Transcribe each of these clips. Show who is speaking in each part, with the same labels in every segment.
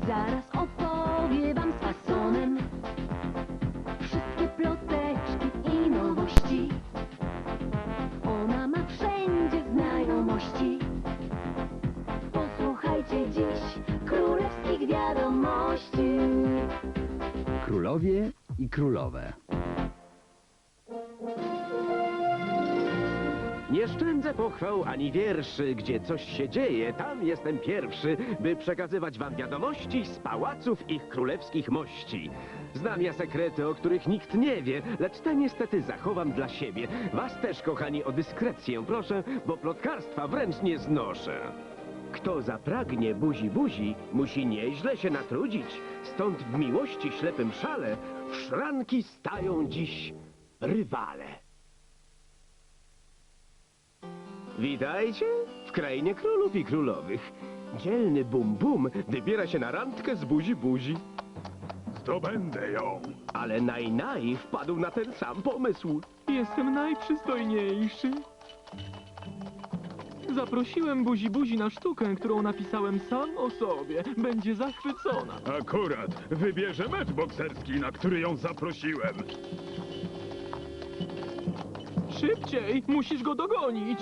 Speaker 1: zaraz opowie wam z fasonem wszystkie ploteczki i nowości. Ona ma wszędzie znajomości. Posłuchajcie dziś królewskich wiadomości.
Speaker 2: Królowie i królowe.
Speaker 3: Nie szczędzę pochwał ani wierszy, gdzie coś się dzieje, tam jestem pierwszy, by przekazywać wam wiadomości z pałaców ich królewskich mości. Znam ja sekrety, o których nikt nie wie, lecz te niestety zachowam dla siebie. Was też, kochani, o dyskrecję proszę, bo plotkarstwa wręcz nie znoszę. Kto zapragnie buzi, musi nieźle się natrudzić. Stąd w miłości ślepym szale w szranki stają dziś rywale. Witajcie w krainie królów i królowych. Dzielny Bum wybiera się na randkę z buzi.
Speaker 4: Zdobędę ją.
Speaker 3: Ale Naj wpadł na ten sam pomysł.
Speaker 5: Jestem najprzystojniejszy. Zaprosiłem buzi na sztukę, którą napisałem sam o sobie. Będzie zachwycona.
Speaker 4: Akurat wybierze mecz bokserski, na który ją zaprosiłem.
Speaker 5: Szybciej, musisz go dogonić.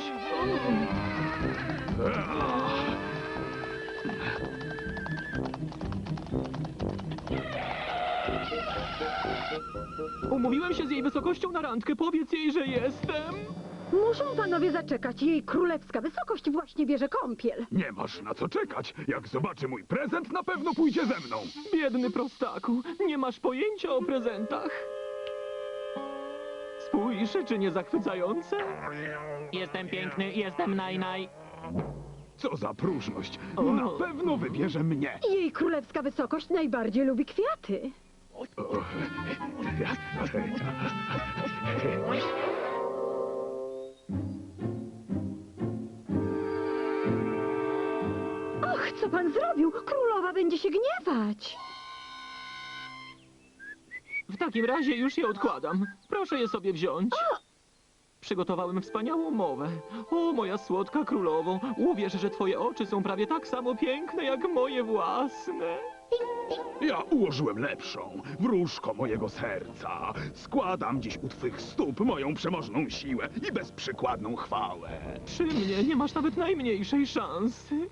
Speaker 5: Umówiłem się z jej wysokością na randkę. Powiedz jej, że jestem.
Speaker 6: Muszą panowie zaczekać. Jej królewska wysokość właśnie bierze kąpiel.
Speaker 4: Nie masz na co czekać. Jak zobaczy mój prezent, na pewno pójdzie ze mną.
Speaker 5: Biedny prostaku, nie masz pojęcia o prezentach. Spójrz, czy nie zachwycające?
Speaker 7: Jestem piękny, jestem Naj.
Speaker 4: Co za próżność. Na pewno wybierze mnie.
Speaker 6: Jej królewska wysokość najbardziej lubi kwiaty. Och, co pan zrobił? Królowa będzie się gniewać.
Speaker 5: W takim razie już je odkładam. Proszę je sobie wziąć. Przygotowałem wspaniałą mowę. O, moja słodka królowo, uwierz, że twoje oczy są prawie tak samo piękne jak moje własne.
Speaker 4: Ja ułożyłem lepszą, wróżko mojego serca. Składam dziś u twych stóp moją przemożną siłę i bezprzykładną chwałę.
Speaker 5: Przy mnie nie masz nawet najmniejszej szansy.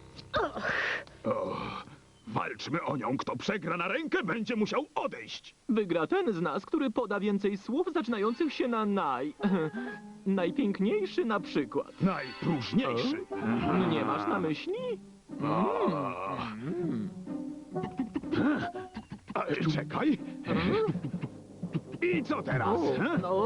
Speaker 4: Walczmy o nią. Kto przegra na rękę, będzie musiał odejść.
Speaker 5: Wygra ten z nas, który poda więcej słów zaczynających się na naj. Najpiękniejszy na przykład.
Speaker 4: Najpróżniejszy.
Speaker 5: Nie masz na myśli?
Speaker 4: Czekaj. I co teraz?
Speaker 5: No.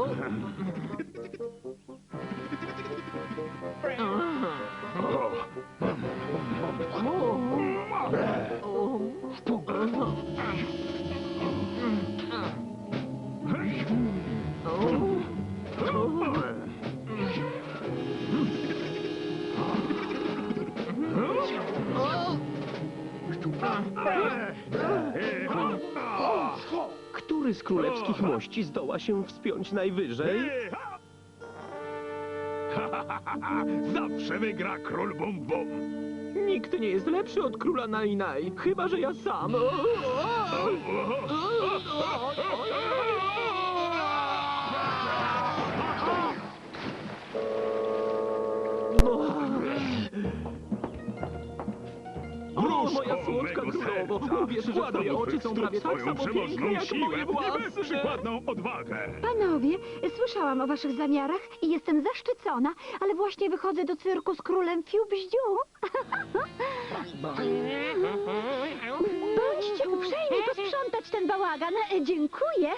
Speaker 3: Który z królewskich mości zdoła się wspiąć najwyżej?
Speaker 4: Zawsze wygra król Bum.
Speaker 5: Nikt nie jest lepszy od króla Naj, chyba że ja sam. O, moja słodka królowo, uwierz, że twoje oczy są prawie tak samo piękne jak moje
Speaker 4: i
Speaker 5: własne.
Speaker 4: bezprzykładną odwagę.
Speaker 6: Panowie, słyszałam o waszych zamiarach i jestem zaszczycona, ale właśnie wychodzę do cyrku z królem Fiu-Bździu. Bądźcie uprzejmi posprzątać ten bałagan. Dziękuję.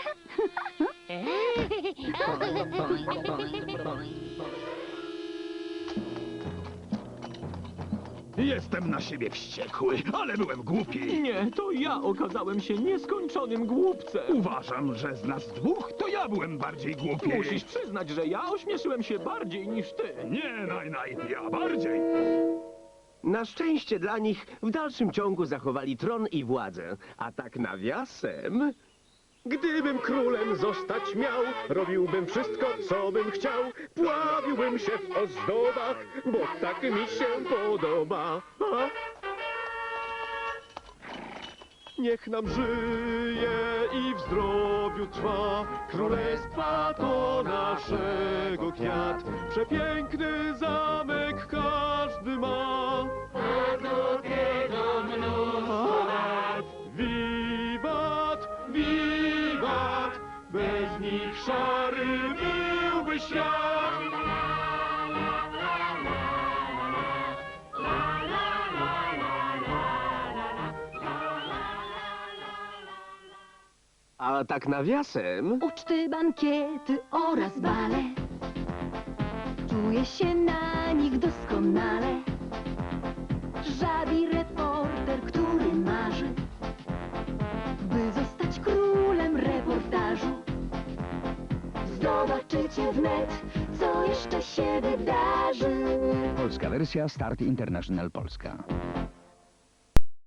Speaker 4: Jestem na siebie wściekły, ale byłem głupi.
Speaker 5: Nie, to ja okazałem się nieskończonym głupcem.
Speaker 4: Uważam, że z nas dwóch to ja byłem bardziej głupi.
Speaker 5: Musisz przyznać, że ja ośmieszyłem się bardziej niż ty.
Speaker 4: Nie, ja bardziej.
Speaker 3: Na szczęście dla nich w dalszym ciągu zachowali tron i władzę. A tak nawiasem... Gdybym królem zostać miał, robiłbym wszystko, co bym chciał. Pławiłbym się w ozdobach, bo tak mi się podoba. Niech nam żyje i w zdrowiu trwa. Królestwa to naszego kwiat. Przepiękny zamek każdy ma. Wiwat, wiwat, bez nich szary byłby świat. A tak nawiasem...
Speaker 1: Uczty, bankiety oraz bale. Czuję się na nich doskonale. Żabi reporter, który marzy, by zostać królem reportażu. Zobaczycie wnet, co jeszcze się wydarzy.
Speaker 2: Polska wersja Start International Polska.